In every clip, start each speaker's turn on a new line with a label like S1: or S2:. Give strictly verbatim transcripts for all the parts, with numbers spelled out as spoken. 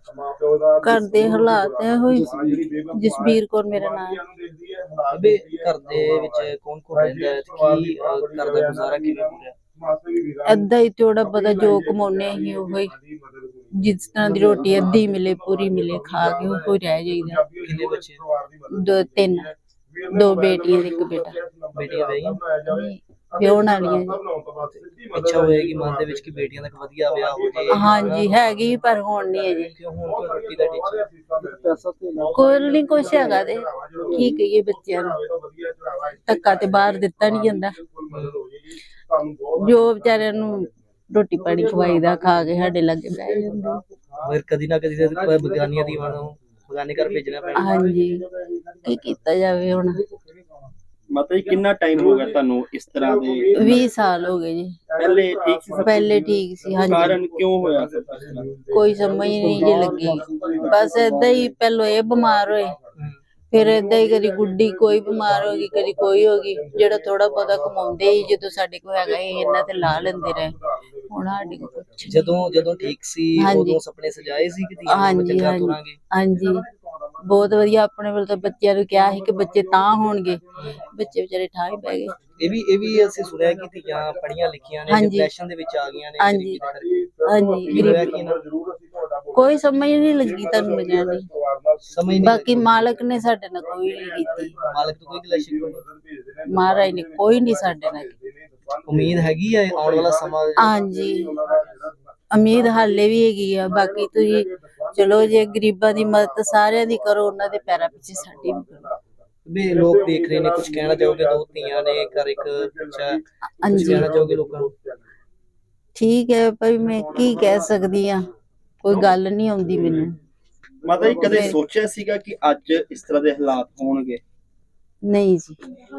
S1: ਘਰ ਦੇ ਹਾਲਾਤ ਇਹੋ ਹੀ ਜਸਬੀਰ ਕੌਰ ਮੇਰਾ ਨਾਮ ਹੈ।
S2: ਬੇ ਘਰ ਦੇ ਵਿੱਚ ਕੌਣ ਕੌਣ ਰਹਿੰਦਾ ਹੈ ਤੇ ਕੀ ਅਹ, ਘਰ ਦਾ ਗੁਜ਼ਾਰਾ ਕਿਵੇਂ ਹੋ ਰਿਹਾ?
S1: ਅੱਧਾ ਹੀ ਥੋੜਾ ਪਤਾ ਜੋ ਕਮਾਉਨੇ ਅਸੀਂ ਉਹੋ ਹੀ, ਜਿਸ ਤਰ੍ਹਾਂ ਦੀ ਰੋਟੀ ਅੱਧੀ ਮਿਲੇ ਪੂਰੀ ਮਿਲੇ ਖਾ ਕੇ ਉਹੋ ਹੀ ਰਹਿ ਜਾਈਦਾ।
S2: ਕਿੰਨੇ ਬੱਚੇ?
S1: ਦੋ ਤਿੰਨ, ਦੋ ਬੇਟੀਆਂ ਤੇ ਇੱਕ ਬੇਟਾ।
S2: ਬੇਟੀਆਂ ਵਿਆਹੀਆਂ?
S1: ਵਿਆਹੁਣ ਵਾਲੀਆਂ ਜੀ।
S2: ਇੱਛਾ ਹੋਏਗੀ ਮਨ ਦੇ ਵਿੱਚ ਕਿ ਬੇਟੀਆਂ ਦਾ ਇੱਕ ਵਧੀਆ ਵਿਆਹ ਹੋ ਜਾਏ?
S1: ਹਾਂਜੀ ਹੈਗੀ ਪਰ ਹੁਣ ਨਹੀਂ ਹੈ ਜੀ।
S2: ਕਿਉਂ ਹੁਣ ਕੋਈ ਰੋਟੀ ਦਾ ਟੀਚਾ?
S1: ਕੋਈ ਨਹੀਂ ਕੁਛ ਹੈਗਾ ਤੇ ਕੀ ਕਹੀਏ ਬੱਚਿਆਂ ਨੂੰ, ਧੱਕਾ ਤੇ ਬਾਹਰ ਦਿੱਤਾ ਨਹੀਂ ਜਾਂਦਾ। ਜੋ ਵਿਚਾਰਿਆਂ ਨੂੰ ਰੋਟੀ ਪਾਣੀ ਖਵਾਈਦਾ ਖਾ ਕੇ ਸਾਡੇ ਲਾਗੇ ਬਹਿ ਜਾਂਦੇ।
S2: ਮਗਰ ਕਦੀ ਨਾ ਕਦੀ ਤੇ ਬਗਾਨੀਆਂ ਦੀ ਨੂੰ ਬਗਾਨੇ ਘਰ ਭੇਜਣਾ ਪੈਣਾ।
S1: ਹਾਂਜੀ ਕੀ ਕੀਤਾ ਜਾਵੇ ਹੁਣ।
S3: ਮਤਲਬ ਕਿੰਨਾ ਟਾਈਮ ਹੋ ਗਿਆ ਤੁਹਾਨੂੰ ਇਸ ਤਰ੍ਹਾਂ ਦੇ?
S1: ਵੀਹ ਸਾਲ ਹੋ ਗਏ ਜੀ।
S3: ਪਹਿਲੇ ਠੀਕ ਸੀ?
S1: ਪਹਿਲੇ ਠੀਕ ਸੀ। ਹਾਂਜੀ
S3: ਕਾਰਨ ਕਿਉਂ ਹੋਇਆ?
S1: ਕੋਈ ਸਮਝ ਨਹੀਂ ਜੇ ਲੱਗੀ, ਬਸ ਏਦਾਂ ਹੀ ਪਹਿਲੋਂ ਇਹ ਬਿਮਾਰ ਹੋਏ, ਫਿਰ ਏਦਾਂ ਹੀ ਕਦੀ ਗੁੱਡੀ ਕੋਈ ਬਿਮਾਰ ਹੋ ਗਈ, ਕਦੀ ਕੋਈ ਹੋ ਗਈ। ਜਿਹੜਾ ਥੋੜਾ ਬਹੁਤਾ ਕਮਾਉਂਦੇ ਸੀ ਜਦੋਂ ਸਾਡੇ ਕੋਲ ਹੈਗਾ ਸੀ ਇਹਨਾਂ ਤੇ ਲਾ ਲੈਂਦੇ ਰਹੇ। ਹੁਣ ਸਾਡੇ ਕੋਲ ਕੁਛ ਨੀ।
S2: ਜਦੋਂ ਜਦੋਂ ਠੀਕ ਸੀ ਉਦੋਂ ਸੁਪਨੇ ਸਜਾਏ ਸੀ ਕਿ ਧੀਆਂ ਨੂੰ ਚੰਗਾ ਤੋਰਾਂਗੇ?
S1: ਹਾਂਜੀ ਬਹੁਤ ਵਧੀਆ। ਆਪਣੇ ਵੱਲ ਤਾਂ ਬੱਚਿਆਂ ਨੂੰ ਕਿਹਾ ਸੀ ਕਿ ਬੱਚੇ ਤਾਂ ਹੋਣਗੇ, ਬੱਚੇ ਵਿਚਾਰੇ ਠਾਹ ਹੀ ਪੈ ਗਏ।
S2: ਇਹ ਵੀ ਇਹ ਵੀ ਅਸੀਂ ਸੁਣਿਆ ਕਿ ਧੀਆਂ ਪੜ੍ਹੀਆਂ ਲਿਖੀਆਂ ਨੇ ਡਿਪਰੈਸ਼ਨ ਦੇ ਵਿੱਚ ਆ ਗਈਆਂ ਨੇ।
S1: ਹਾਂਜੀ ਹਾਂਜੀ
S2: ਕੀ ਹੋਇਆ ਕੀ ਨਾ?
S1: ਕੋਈ ਸਮਝ ਨਹੀਂ ਲੱਗੀ ਤੁਹਾਨੂੰ ਮਿਲਿਆ ਨਹੀਂ।
S2: ਸਮਝ ਨਹੀਂ।
S1: ਬਾਕੀ ਮਾਲਕ ਨੇ ਸਾਡੇ ਨਾਲ ਕੋਈ ਨਹੀਂ ਕੀਤੀ।
S2: ਮਾਲਕ ਤੋਂ ਕੋਈ ਗਿਲਾ ਸ਼ਿਕਵਾ ਨਹੀਂ?
S1: ਮਹਾਰਾਜ ਨੇ ਕੋਈ ਨਹੀਂ ਸਾਡੇ ਨਾਲ ਕੀਤੀ।
S2: ਉਮੀਦ ਹੈਗੀ ਹੈ ਆਉਣ ਵਾਲਾ ਸਮਾਂ?
S1: ਹਾਂਜੀ ਉਮੀਦ ਹਾਲੇ ਵੀ ਹੈਗੀ ਆ। ਬਾਕੀ ਤੁਸੀਂ ਚਲੋ ਜੇ ਗਰੀਬਾਂ ਦੀ ਮਦਦ ਸਾਰਿਆਂ ਦੀ ਕਰੋ, ਉਹਨਾਂ ਦੇ ਪੈਰਾਂ ਪਿੱਛੇ ਸਾਡੀ ਵੀ ਕਰੋ।
S2: ਵੀ ਲੋਕ ਦੇਖ ਰਹੇ ਨੇ, ਕੁਝ ਕਹਿਣਾ ਚਾਹੋਗੇ? ਦੋ ਧੀਆਂ ਨੇ ਘਰ ਇੱਕ ਬੱਚਾ, ਕੁਝ ਕਹਿਣਾ ਚਾਹੋਗੇ ਲੋਕਾਂ ਨੂੰ?
S1: ਠੀਕ ਹੈ ਭਾਈ, ਮੈਂ ਕੀ ਕਹਿ ਸਕਦੀ ਆ, ਕੋਈ ਗੱਲ ਨਹੀਂ ਆਉਂਦੀ ਮੈਨੂੰ।
S3: ਮਤਲਬ ਕਦੇ ਸੋਚਿਆ ਸੀਗਾ ਕਿ ਅੱਜ ਇਸ ਤਰ੍ਹਾਂ ਦੇ ਹਾਲਾਤ ਹੋਣਗੇ?
S1: ਨਹੀਂ ਜੀ,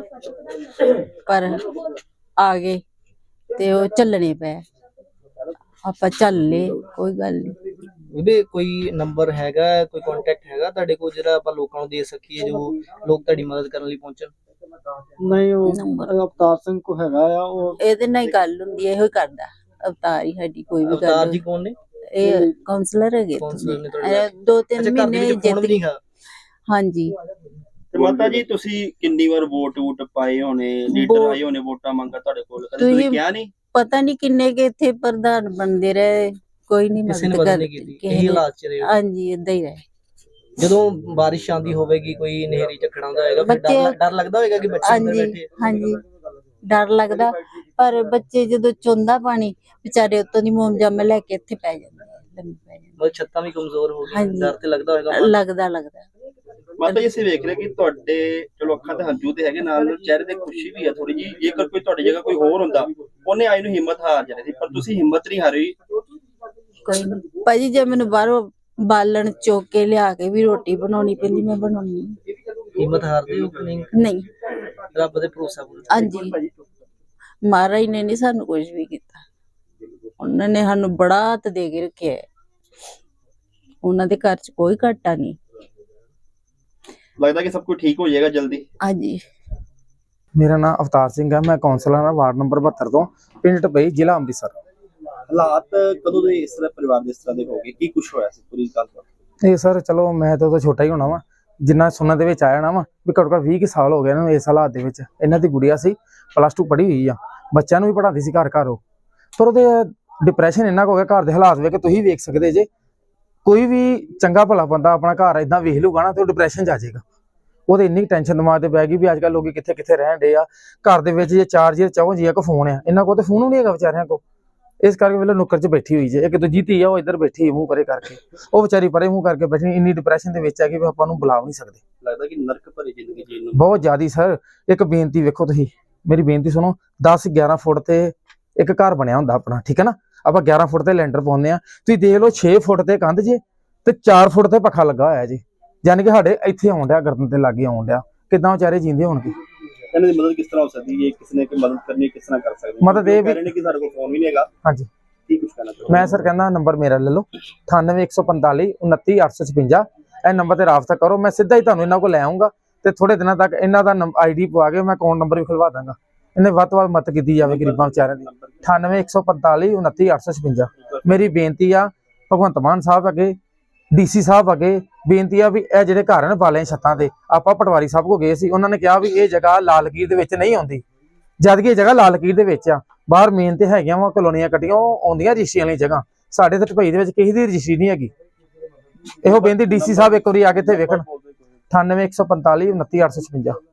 S1: ਪਰ ਆ ਗਏ ਤੇ ਉਹ ਚੱਲਣੇ ਪਏ, ਆਪਾਂ ਚੱਲ ਲਏ, ਕੋਈ ਗੱਲ ਨਹੀਂ।
S2: ਵੀ ਕੋਈ ਨੰਬਰ ਹੈਗਾ, ਕੋਈ ਕੰਟੈਕਟ ਹੈਗਾ ਤੁਹਾਡੇ ਕੋਲ ਜਿਹੜਾ ਆਪਾਂ ਲੋਕਾਂ ਨੂੰ ਦੇ ਸਕੀਏ, ਜੋ ਲੋਕ ਤੁਹਾਡੀ ਮਦਦ ਕਰਨ ਲਈ ਪਹੁੰਚਣ?
S4: ਨਹੀਂ, ਉਹ ਅਵਤਾਰ ਸਿੰਘ ਕੋ ਹੈਗਾ ਆ, ਉਹ
S1: ਇਹਦੇ ਨਾਲ ਹੀ ਗੱਲ ਹੁੰਦੀ ਹੈ, ਇਹੋ ਹੀ ਕਰਦਾ ਅਵਤਾਰ ਹੀ ਸਾਡੀ ਕੋਈ ਵੀ
S2: ਅਵਤਾਰ
S1: ਗੱਲ।
S2: ਜੀ ਕੌਣ ਨੇ?
S1: ਇਹ ਕਾਉਂਸਲਰ ਹੈਗੇ,
S2: ਕਾਉਂਸਲਰ ਨੇ ਤੁਹਾਡੇ?
S1: ਦੋ ਤਿੰਨ ਮਹੀਨੇ
S2: ਜਿੱਤ ਗਏ।
S1: ਹਾਂਜੀ।
S3: ਤੇ ਮਾਤਾ ਜੀ ਤੁਸੀਂ ਕਿੰਨੀ ਵਾਰ ਵੋਟ ਵੋਟ ਪਾਏ ਹੋਣੇ, ਲੀਡਰ ਆਏ ਹੋਣੇ ਵੋਟਾਂ ਮੰਗਾ ਤੁਹਾਡੇ ਕੋਲ, ਕਦੇ ਤੁਸੀਂ ਕਿਹਾ ਨਹੀਂ?
S1: ਪਤਾ ਨਹੀਂ ਕਿੰਨੇ ਕੇ ਇੱਥੇ ਪ੍ਰਧਾਨ ਬਣਦੇ ਰਹੇ, ਕੋਈ ਨਹੀਂ ਮਦਦ
S2: ਕਰਦੀ।
S1: ਹਾਂਜੀ ਏਦਾਂ ਹੀ ਰਹੇ।
S2: ਜਦੋਂ ਬਾਰਿਸ਼ ਆਂਦੀ ਹੋਵੇਗੀ, ਕੋਈ ਨਹਿਰੀ ਝੱਖੜ ਆਉਂਦਾ ਹੋਏਗਾ, ਫਿਰ ਡਰ ਡਰ ਲੱਗਦਾ ਹੋਏਗਾ ਕਿ ਬੱਚੇ ਅੰਦਰ ਬੈਠੇ?
S1: ਹਾਂਜੀ ਡਰ ਲੱਗਦਾ, ਪਰ ਬੱਚੇ ਜਦੋਂ ਚੋਂਦਾ ਪਾਣੀ ਵਿਚਾਰੇ ਉੱਤੋਂ ਦੀ ਮੋਮਜਾਮੇ ਲੈ ਕੇ ਇੱਥੇ ਪੈ ਜਾਂਦੇ, ਲੰਮੇ ਪੈ ਜਾਂਦੇ।
S2: ਮਤਲਬ ਛੱਤਾਂ ਵੀ ਕਮਜ਼ੋਰ ਹੋ ਗਈਆਂ, ਡਰ ਤੇ ਲੱਗਦਾ ਹੋਏਗਾ?
S1: ਲੱਗਦਾ ਲੱਗਦਾ
S3: ਮਾਤਾ ਜੀ ਅਸੀਂ ਵੇਖ ਰਹੇ ਕਿ ਤੁਹਾਡੇ ਚਲੋ ਅੱਖਾਂ ਤੇ ਹੰਝੂ ਤੇ ਹੈਗੇ, ਨਾਲ ਚਿਹਰੇ ਤੇ ਖੁਸ਼ੀ ਵੀ ਆ ਥੋੜੀ ਜੀ। ਜੇਕਰ ਕੋਈ ਤੁਹਾਡੀ ਜਗ੍ਹਾ ਕੋਈ ਹੋਰ ਹੁੰਦਾ, ਉਹਨੇ ਆਈ ਨੂੰ ਹਿੰਮਤ ਹਾਰ ਜਾਣੀ ਸੀ, ਪਰ ਤੁਸੀਂ ਹਿੰਮਤ ਨਹੀਂ ਹਾਰੀ।
S1: ਕੋਈ ਨਹੀਂ ਭਾਜੀ, ਜੇ ਮੈਨੂੰ ਬਾਹਰੋਂ ਬਾਲਣ ਚੁੱਕ ਕੇ ਲਿਆ ਕੇ ਵੀ ਰੋਟੀ ਬਣਾਉਣੀ ਪੈਂਦੀ, ਮੈਂ ਬਣਾਉਣੀ।
S2: ਹਿੰਮਤ ਹਾਰਦੇ ਹੋ ਕਿ ਨਹੀਂ?
S1: ਨਹੀਂ,
S2: ਰੱਬ ਦੇ ਭਰੋਸਾ ਕਰੋ।
S1: ਹਾਂਜੀ ਮਹਾਰਾਜ ਨੇ ਨਹੀਂ ਸਾਨੂੰ ਕੁਝ ਵੀ ਕੀਤਾ, ਉਹਨਾਂ ਨੇ ਸਾਨੂੰ ਬੜਾ ਹੱਥ ਦੇ ਕੇ ਰੱਖਿਆ, ਉਹਨਾਂ ਦੇ ਘਰ ਚ ਕੋਈ ਘਾਟਾ ਨਹੀਂ।
S3: ਲੱਗਦਾ ਕਿ ਸਭ ਕੁਝ ਠੀਕ ਹੋ ਜਾਏਗਾ ਜਲਦੀ?
S1: ਹਾਂਜੀ।
S4: ਮੇਰਾ ਨਾਮ ਅਵਤਾਰ ਸਿੰਘ ਹੈ, ਮੈਂ ਕੌਂਸਲਰ ਹਾਂ ਵਾਰਡ ਨੰਬਰ ਬਹੱਤਰ ਤੋਂ, ਪਿੰਡ ਟਪਈ, ਜ਼ਿਲ੍ਹਾ ਅੰਮ੍ਰਿਤਸਰ।
S3: ਹਾਲਾਤ ਕਦੋਂ ਦੇ ਇਸ ਤਰ੍ਹਾਂ ਪਰਿਵਾਰ ਦੇ ਇਸ ਤਰ੍ਹਾਂ ਦੇ ਹੋ ਗਏ, ਕੀ ਕੁਝ ਹੋਇਆ ਸੀ ਪੂਰੀ ਗੱਲ?
S4: ਇਹ ਸਰ ਚਲੋ ਮੈਂ ਤਾਂ ਉਦੋਂ ਛੋਟਾ ਹੀ ਹੋਣਾ ਵਾ, ਜਿੰਨਾ ਸੁਣਨ ਦੇ ਵਿੱਚ ਆਇਆ ਨਾ ਵਾ ਵੀ ਘੱਟੋ ਘੱਟ ਵੀਹ ਕੁ ਸਾਲ ਹੋ ਗਏ ਇਹਨਾਂ ਨੂੰ ਇਸ ਹਾਲਾਤ ਦੇ ਵਿੱਚ। ਇਹਨਾਂ ਦੀ ਗੁੜੀਆ ਸੀ ਪਲੱਸ ਟੂ ਪੜ੍ਹੀ ਹੋਈ ਆ, ਬੱਚਿਆਂ ਨੂੰ ਵੀ ਪੜ੍ਹਾਉਂਦੀ ਸੀ ਘਰ ਘਰ ਉਹ, ਪਰ ਉਹਦੇ ਡਿਪਰੈਸ਼ਨ ਇੰਨਾ ਕੁ ਹੋ ਗਿਆ, ਘਰ ਦੇ ਹਾਲਾਤ ਵੇਖ ਕੇ ਤੁਸੀਂ ਵੇਖ ਸਕਦੇ ਜੇ, ਕੋਈ ਵੀ ਚੰਗਾ ਭਲਾ ਬੰਦਾ ਆਪਣਾ ਘਰ ਏਦਾਂ ਵੇਖ ਲੂਗਾ ਨਾ ਤੇ ਉਹ ਡਿਪਰੈਸ਼ਨ 'ਚ ਆ ਜਾਏਗਾ। ਉਹਦੇ ਇੰਨੀ ਟੈਨਸ਼ਨ ਦਿਮਾਗ ਤੇ ਪੈ ਗਈ ਵੀ ਅੱਜ ਕੱਲ੍ਹ ਲੋਕੀ ਕਿੱਥੇ ਕਿੱਥੇ ਰਹਿਣ ਡੇ ਆ, ਘਰ ਦੇ ਵਿੱਚ ਜੇ ਚਾਰ ਜੀ ਚੌਂ ਜੀ ਕੋ ਫੋਨ ਆ, ਇਹਨਾਂ ਕੋਲ ਤੇ ਫੋਨ ਨਹੀਂ ਹੈਗਾ ਵਿਚਾਰਿਆਂ ਕੋਲ। ਇਸ ਕਰਕੇ ਵੇਲੇ ਨੁੱਕਰ 'ਚ ਬੈਠੀ ਹੋਈ ਜੇ, ਇੱਕ ਦੂਜੀ ਧੀ ਆ ਉਹ ਇੱਧਰ ਬੈਠੀ ਮੂੰਹ ਪਰੇ ਕਰਕੇ, ਉਹ ਵਿਚਾਰੀ ਪਰੇ ਮੂੰਹ ਕਰਕੇ ਬੈਠੀ, ਇੰਨੀ ਡਿਪਰੈਸ਼ਨ ਦੇ ਵਿੱਚ ਆ ਕਿ ਵੀ ਆਪਾਂ ਨੂੰ ਬੁਲਾ ਨਹੀਂ ਸਕਦੇ।
S3: ਲੱਗਦਾ ਕਿ ਨਰਕ ਭਰੀ ਜ਼ਿੰਦਗੀ ਜੀਣ ਨੂੰ
S4: ਬਹੁਤ ਜ਼ਿਆਦੀ ਸਰ। ਇੱਕ ਬੇਨਤੀ ਵੇਖੋ ਤੁਸੀਂ, ਮੇਰੀ ਬੇਨਤੀ ਸੁਣੋ, ਦਸ ਗਿਆਰਾਂ ਫੁੱਟ ਤੇ ਇੱਕ ਘਰ ਬਣਿਆ ਹੁੰਦਾ ਆਪਣਾ, ਠੀਕ ਹੈ ਨਾ, ਆਪਾਂ ਗਿਆਰਾਂ ਫੁੱਟ ਤੇ ਲੈਂਟਰ ਪਾਉਂਦੇ ਆ, ਤੁਸੀਂ ਦੇਖ ਲਓ ਛੇ ਫੁੱਟ ਤੇ ਕੰਧ ਜੇ ਤੇ ਚਾਰ ਫੁੱਟ ਤੇ ਪੱਖਾ ਲੱਗਾ ਹੋਇਆ ਜੀ, ਯਾਨੀ ਕਿ ਸਾਡੇ ਇੱਥੇ ਆਉਣ ਡਿਆ, ਗਰਦਨ ਤੇ ਲਾਗੇ ਆਉਣ ਡਿਆ, ਕਿੱਦਾਂ ਵਿਚਾਰੇ ਜੀਂਦੇ ਹੋਣਗੇ?
S3: ਇਹਨਾਂ ਦੀ ਮਦਦ ਕਿਸ ਤਰ੍ਹਾਂ ਹੋ ਸਕਦੀ ਹੈ? ਕਿਸੇ ਨੇ ਕੋਈ ਮਦਦ ਕਰਨੀ ਕਿਸ ਤਰ੍ਹਾਂ ਕਰ ਸਕਦੇ?
S4: ਮਦਦ ਇਹ ਵੀ
S3: ਕਿ ਸਾਡੇ ਕੋਲ ਫੋਨ ਵੀ ਨਹੀਂ ਹੈਗਾ।
S4: ਹਾਂਜੀ
S3: ਕੀ ਕੁਝ ਕਹਿਣਾ ਚਾਹੁੰਦੇ?
S4: ਮੈਂ ਸਰ ਕਹਿੰਦਾ ਨੰਬਰ ਮੇਰਾ ਲੈ ਲਓ, ਅਠਾਨਵੇਂ ਇੱਕ ਸੌ ਪੰਤਾਲੀ ਉਨੱਤੀ ਅੱਠ ਸੌ ਛਪੰਜਾ, ਇਹ ਨੰਬਰ ਤੇ ਰਾਬਤਾ ਕਰੋ, ਮੈਂ ਸਿੱਧਾ ਹੀ ਤੁਹਾਨੂੰ ਇਹਨਾਂ ਕੋਲ ਲੈ ਆਉਂਗਾ ਤੇ ਥੋੜੇ ਦਿਨਾਂ ਤੱਕ ਇਹਨਾਂ ਦਾ ਆਈ ਡੀ ਪਵਾ ਕੇ ਮੈਂ ਅਕਾਊਂਟ ਨੰਬਰ ਵੀ ਖੁਲਵਾ ਦਾਂਗਾ। ਇਹਨੇ ਵੱਧ ਤੋਂ ਵੱਧ ਮਦਦ ਕੀਤੀ ਜਾਵੇ ਗਰੀਬਾਂ ਵਿਚਾਰਿਆਂ ਦੀ। ਅਠਾਨਵੇਂ ਇੱਕ ਸੌ ਪੰਤਾਲੀ ਉਨੱਤੀ ਅੱਠ ਸੌ ਛਪੰਜਾ। ਮੇਰੀ ਬੇਨਤੀ ਆ ਭਗਵੰਤ ਮਾਨ ਸਾਹਿਬ ਅੱਗੇ, ਡੀਸੀ ਸਾਹਿਬ ਅੱਗੇ ਬੇਨਤੀ ਆ ਵੀ ਇਹ ਜਿਹੜੇ ਘਰ ਨੇ ਬਾਲੇ ਛੱਤਾਂ ਤੇ, ਆਪਾਂ ਪਟਵਾਰੀ ਸਾਹਿਬ ਕੋ ਗਏ ਸੀ, ਉਹਨਾਂ ਨੇ ਕਿਹਾ ਵੀ ਇਹ ਜਗ੍ਹਾ ਲਾਲ ਲਕੀਰ ਦੇ ਵਿੱਚ ਨਹੀਂ ਆਉਂਦੀ, ਜਦ ਕਿ ਇਹ ਜਗ੍ਹਾ ਲਾਲ ਲਕੀਰ ਦੇ ਵਿੱਚ ਆ। ਬਾਹਰ ਮੇਨ ਤੇ ਹੈਗੀਆਂ ਵਾ ਕਲੋਨੀਆਂ ਕੱਟੀਆਂ, ਉਹ ਆਉਂਦੀਆਂ ਰਜਿਸਟਰੀ ਵਾਲੀ ਜਗ੍ਹਾ, ਸਾਡੇ ਤੇ ਢਪਈ ਦੇ ਵਿੱਚ ਕਿਸੇ ਦੀ ਰਜਿਸਟਰੀ ਨਹੀਂ ਹੈਗੀ। ਇਹੋ ਬੇਨਤੀ ਡੀਸੀ ਸਾਹਿਬ ਇੱਕ ਵਾਰੀ ਆ ਕੇ ਇੱਥੇ ਵੇਖਣ। ਅਠਾਨਵੇਂ ਇੱਕ ਸੌ ਪੰਤਾਲੀ ਉਨੱਤੀ ਅੱਠ ਸੌ ਛਪੰਜਾ।